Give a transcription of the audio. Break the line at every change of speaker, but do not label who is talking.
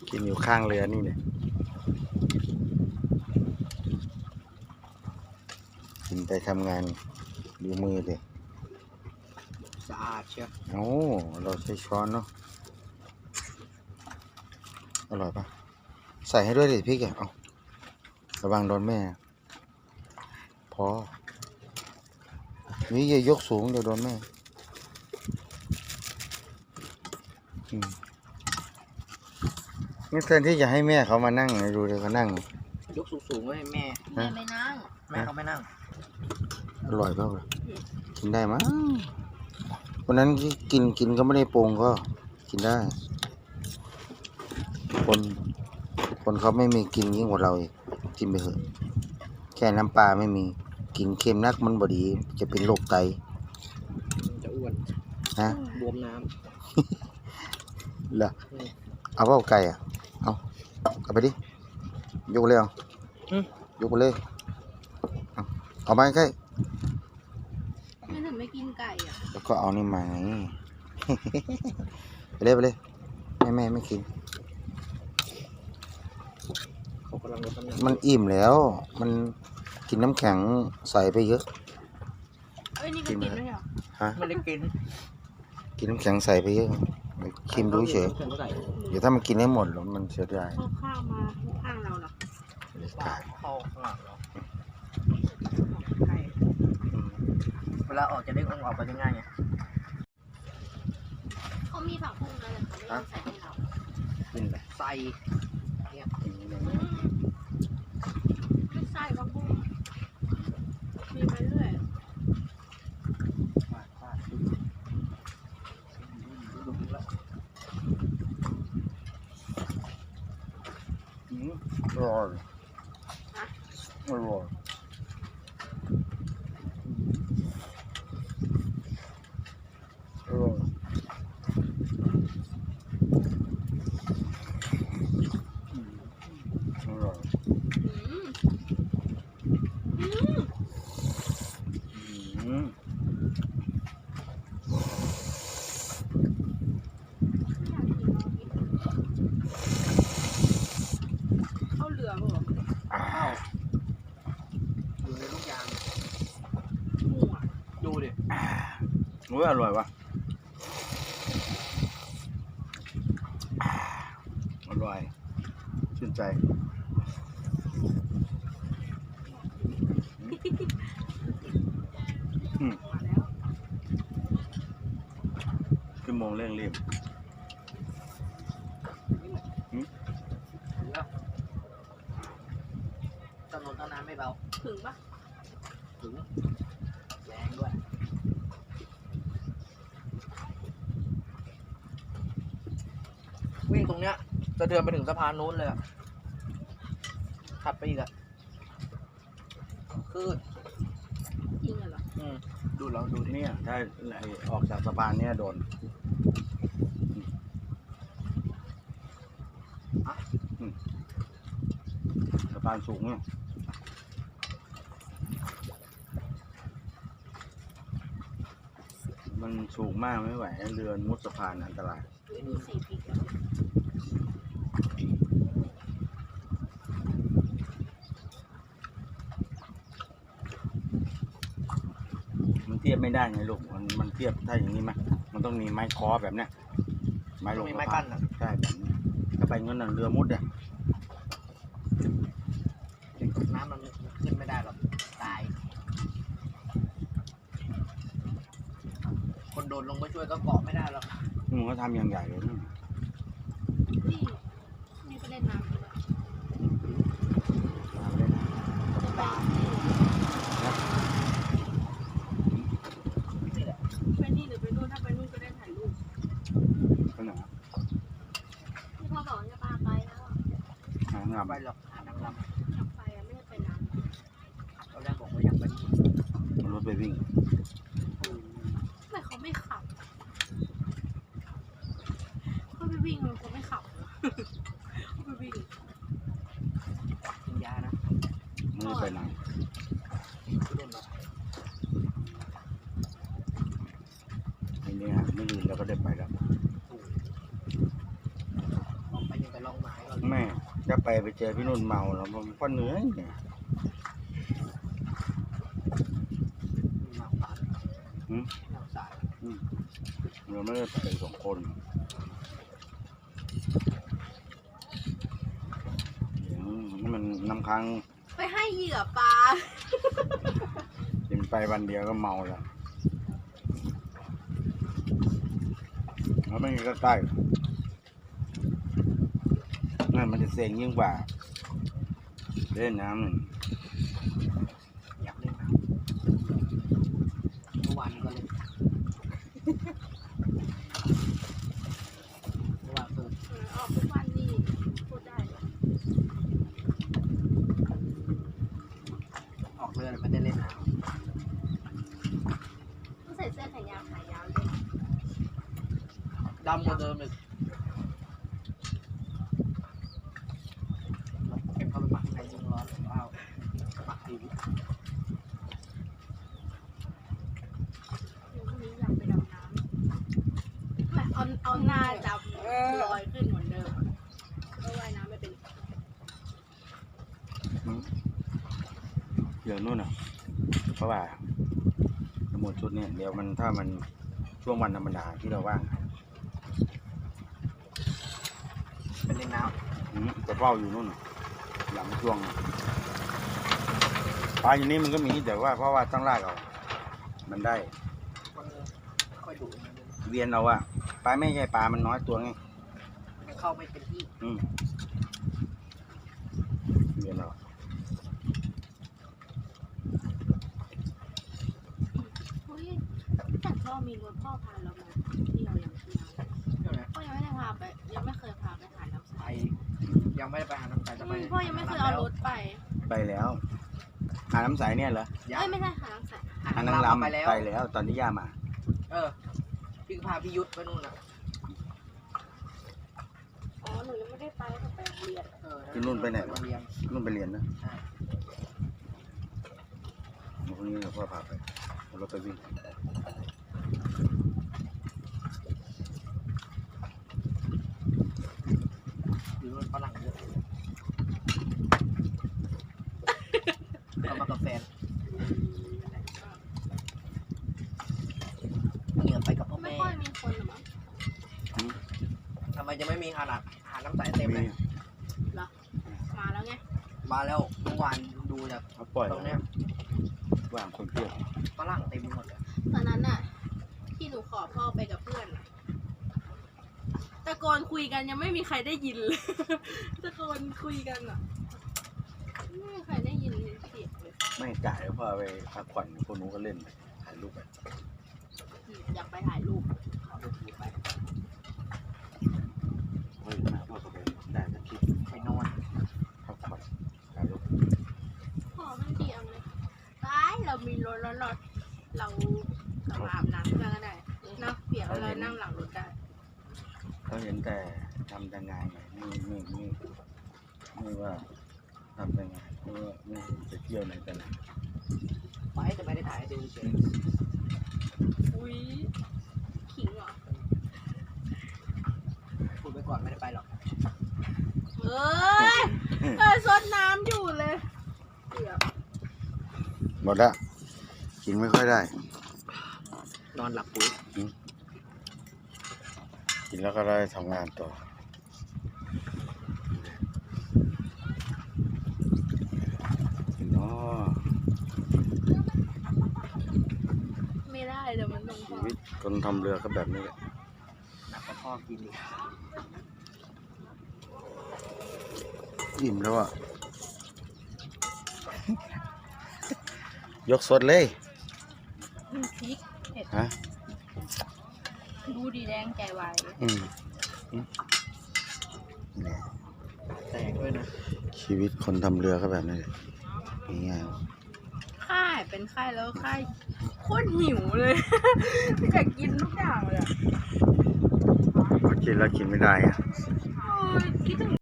กินอยู่ข้างเรือนี่เนี่ยกินไปทำงานดูมือเลย
สะอาดเชียว
โอ้เราใช้ช้อนเนาะอร่อยปะใส่ให้ด้วยดิพี่แกเอาระวังโดนแม่พอนี่อย่ายกสูงเดี๋ยวโดนแม่นี่แทนที่จะให้แม่เขามานั่งดูเดี๋ยวเขานั่ง
ยกสูงๆไว้ให้แม่
ไม่นั่ง
แม่เขาไม่นั่ง
อร่อยเปล่ากินได้มั้งวันนั้นกินก็ไม่ได้ปรุงก็กินได้คนเขาไม่มีกินยิ่งกว่าเราอีกกินไปเถอะแค่น้ำปลาไม่มีกินเค็มนักมันบดีจะเป็นโรคไต
จะอ้วน
นะ
บวมน้
ำเหรอเอาเปล่าไก่อ่ะเอาไปดิยกเลยยกไปเลยเอาไปใกล้
ไม่ถึงไม่กินไก่อ่ะ
แล้วก็เอานี่มาไงไปเลยแม่ไม่กิน
เขากำลังลดน้ำหนัก
มันอิ่มแล้วมันกินน้ำแข็งใส่ไปเยอะ
เอ้ยนี่ก็กินไม่เหรอ
ฮะ
ไม่ได้
กินน้ำแข็งใส่ไปเยอะชิมดูเฉยเดี๋ยวถ้ามันกินให้หมดแล้วมันเสียดาย
เข้าข้าวมาข้างเราหรอ
เข้าข้างหลังเราเวลาออกจะได้ออกไปง่ายไง
เขามีผักบุ้งนะแต่เขาไม่ใส่ให้เรา
กินไป
ใส่เนี่ย
ไม่ใส่ผักบุ้งมีไปเรื่อย
อร่อยอร่อยอร่อยอร่อย
เข้าเรือป่ะ
อยู่ในลูกยางดูดิ
โอ้ยอร่อยวะอร่อยชื่นใจชั่วโมงเร่งรีบ
ถนนต้นน้ำไม่เบา
ถึงปะ
ถึงแรงด้วยวิ่งตรงเนี้ยจะเดินไปถึงสะพานนู้นเลยอะถัดไปอีกอะคือ
จริงเหรอ
ดูลองดู
เนี่ยถ้าออกจากสะพานเนี่ยโดนสะพานสูงเนี่ยมันสูงมากไม่ไหวเรือมุดสะพานอันตราย
ดูสีปีก
มันเทียบไม่ได้ไงลูกมันเทียบถ้าอย่างนี้ไหมมันต้องมีไม้คอแบบเนี้ยไม้ลง
ไม้กั้นอ่ะ
ใช่แบบนี้ถ้าไปงั้นเรือมุดเนี่ย
น้ำมันขึ้นไม่ได้หรอกตายคนโดนลงไปช่วยก็เกาะไม่ได้หรอก
มันก็ทำอย่างใหญ่เลย
นี่ก็เล่นน้ำด้วยไปนี่หรือไปนู่นถ้าไปนู่นก็ได้ถ่ายรูป
ไปไหน
ที่พ่อบอกจะพาไปแล้ว
หางงาม
ไปหรอกหานางรำ
อยากไปไม่ได้ไปน้ำ
เราได้บอกว่าอยากไป
รถไปวิ่ง
ทำไมเขาไม่ขับเขาไปวิ่งมันก็ไม่ขับเขาไปวิ่ง
กินยานะ
ไม่ไปไหนไอ้เนี่ยไม่ลืมแล้วก็ได้ไปแล้ว
ออกไปยังไปลองไม้
ไปเจอพี่นุ่นเมาแล้วมันก็เหนื่อยเนี่ย
หนักสาย
หืม
หนักสาย
เราไม่ได้ไปสองคนนี่มันน้ำค้าง
ไปให้เหยื่อปลา
กินไปวันเดียวก็เมาแล้วแล้วไม่มีก็ใกล้นั่นมันจะเสี่ยงยิ่งกว่าเล่นน้ำ
อยากเล่นน้ำเมื่อวานก็เล่นเมื่อวานคือ
ออกทุกวันนี่พูดได้เลย
ออกเรือไม่ได้เล่นน้
ต้องใส่เสื้อแขนยาวขายาวเลย
ำดำกว่าเดิมอีกเก็บเข้าไปหมักในยุงร้อนว้าวหมักดี
พรุ่งนี้อยากไปดำน้ำแบบเอาหน้าดำลอยขึ้นเหมือนเดิมก็ว่ายน้ำไม่เป็น
เดี๋ยวนู่นอ่ะเพราะว่าทั้งหมดชุดเนี่ยเดี๋ยวมันถ้ามันช่วงวันธรรมดาที่เราว่าง
เป็นเล่นน้
จะเฝ้าอยู่นู่นหลังช่วงปลาอยู่นี่มันก็มีแต่ว่าเพราะว่าต้องลากเอามันได้
ำมันค่อยดุมัน
เวียนเอาอะปลาไม่ใช่ปลามันน้อยตัวไง
เข้าไม่เป็นที่
เวียนเอา
เฮ้ยแต่พ่อมีรถพ่อพาเรามาเที่ยวอย่างเที่ยว
ใช่ไหม
พ่อยังไม่ได้พาไปยังไม่เคยพาไปหาน้ำใส
ไปยังไม่ได้ไปหาน้ำใสจะไป
พ่อยังไม่เคยเอารถไป
ไปแล้วหาน้ำใสเนี่ยเหรอ
ยัง
เอ้ยไม่ใช่หาน้ำใส
หานางรำไปแล้วตอนที่ย่ามา
พี่พาพี่ยุทธไปนู่นน่ะ
อ๋อหนูยังไม่ได้ไปแต่ไปโรงเรียน
ที่นู่นไปไหน
โรงเรียน
นู่นไปเรียนนะ
ใช่
พรุ่งนี้เราพ่อพาไปเอารถไปวิ่ง
อยู่นู่นฝรั่งเยอะเอามากับแฟนเหงื่อไปกับพ่อ
ไม่
แม่
ค่อยมีคนหรอมั้ง
ทำไมจะไม่มีหาน้ำใสเต็มเลย
มาแล้วไง
มาแล้วเมื่อวานดูจาก
เขาปล่อย
ตรงเนี้ย
ว่างคนเที่ยว
ฝรั่งเต็มไปหมดเลย
ตอนนั้นน่ะ ที่หนูขอพ่อไปกับเพื่อนน่ะตะโกนคุยกันยังไม่มีใครได้ยินเลย ตะโกนคุยกันอ่ะไม่มีใครได้ยินเสียงเลย
ไม่จ่ายแล้วพ่อไปพักผ่อนพวกนู้นก็เล่นไปถ่ายรูปไป
อยากไปถ่ายรูป
ขอดูทีไป
เฮ้ยมาพ่อก็ไปได้สักคลิป
ไปนอน
พักผ่อนถ่ายรูป
พ่อมันเดียงเลยตายเรามีรถแล้วเราอาบน้ำกันก็ได้เนาะเปียกเรานั่งหลังรถได้
เขาเห็นแต่ทำแต่งานไงไม่ว่าทำแต่งานไม่จะเที่ยวไหนแต่ไหน
ไปแต่ไม่ได้ถ่ายให้ดูเฉย
อุ้ยขิงเหรอ
พูดไปก่อนไม่ได้ไปหรอก
เอ้ยซดน้ำอยู่เลยเปียก
หมดละกินไม่ค่อยได้
นอนหลับปุ๋ย
กินแล้วก็ได้ทำงานต่อเนาะ
ไม่ได้เดี๋ยวมันลงค
ชี
อ
วิตคนทำเรือก็แบบนี้แหละ
หนักกว่าพ่อกินอีก
อิ่มแล้วอ่ะ ยกสดเลย
พริกเผ็ด
ฮะ
ดูดีแดงใจไว
เนี่ย
แตกด้วยนะ
ชีวิตคนทำเรือก็แบบนี้แหละง่าย
ค่ายเป็นค่ายแล้วค่ายโคตรหิวเลย อยากกินทุกอย่างเลยอะ
ๆพอกินแล้วกินไม่ได้อะ
โอ้ยคิดถึง